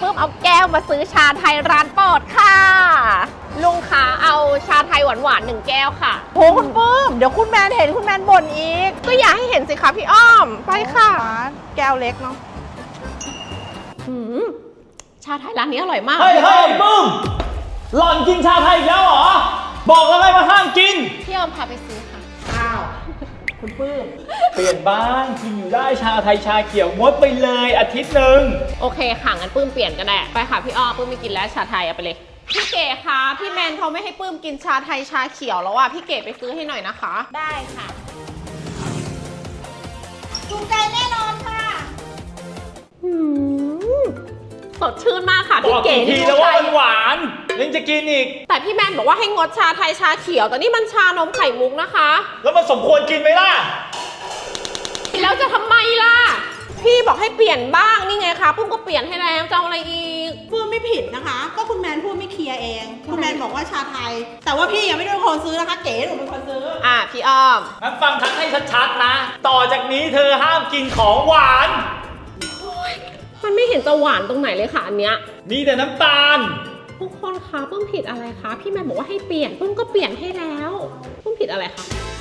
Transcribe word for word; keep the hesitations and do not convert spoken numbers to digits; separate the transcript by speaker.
Speaker 1: ปื้มเอาแก้วมาซื้อชาไทยร้านโปรดค่ะลุงคะเอาชาไทยหวานๆหนึ่งแก้วค่ะโหคุณปื้มเดี๋ยวคุณแมนเห็นคุณแมนบ่นอีกก็อย่าให้เห็นสิคะพี่อ้อมไปค่ะแก้วเล็กเนาะชาไทยร้านนี้อร่อยมาก
Speaker 2: เฮ้ยเฮ้ยปื้มหล่อนกินชาไทยอีกแล้วเหรอบอกแล้วไงว่าห้ามกิน
Speaker 1: พี่อ้อมพาไปซื้อค่ะอ้าวคุณปื้ม
Speaker 2: เปลี่ยนบ้างกินอยู่ได้ชาไทยชาเขียวงดไปเลยอาทิตย์หนึ่ง
Speaker 1: โอเคค่ะงั้นปื้มเปลี่ยนก็ได้ไปค่ะพี่อ้อมปื้มไม่กินแล้วชาไทยเอาไปเลยพี่เก๋คะพี่แมนเขาไม่ให้ปื้มกินชาไทยชาเขียวแล้วอ่ะพี่เก๋ไปซื้อให้หน่อยนะคะได้ค่ะถูกใจแน่นอนค่ะสดชื่นมากค่ะพี่เก๋
Speaker 2: ทีแล้วว่ามันหวานยังจะกินอีก
Speaker 1: แต่พี่แมนบอกว่าให้งดชาไทยชาเขียวแต่นี่มันชานมไข่มุกนะคะ
Speaker 2: แล้วมันสมควรกินไหมล่ะ
Speaker 1: แล้วจะทำไมล่ะพี่บอกให้เปลี่ยนบ้างนี่ไงคะปุ้มก็เปลี่ยนให้แล้วจะเอาอะไรอีก
Speaker 3: พูดไม่ผิดนะคะก็คุณแมนพูดไม่เคลียร์เองคุณแมนบอกว่าชาไทยแต่ว่าพี่ยังไม่ได้เป็นคนซื้อนะคะเก๋หนูเป็นคนซื้อ
Speaker 1: อ่ะพี่อ้อม
Speaker 2: งั้นฟังทักให้ชัดๆนะต่อจากนี้เธอห้ามกินของหวาน
Speaker 1: มันไม่เห็นจะหวานตรงไหนเลยค่ะอันเนี้ย
Speaker 2: มีแต่น้ำตาล
Speaker 1: ทุกคนคะปุ้มผิดอะไรคะพี่แมนบอกว่าให้เปลี่ยนปุ้มก็เปลี่ยนให้แล้วปุ้มผิดอะไรคะ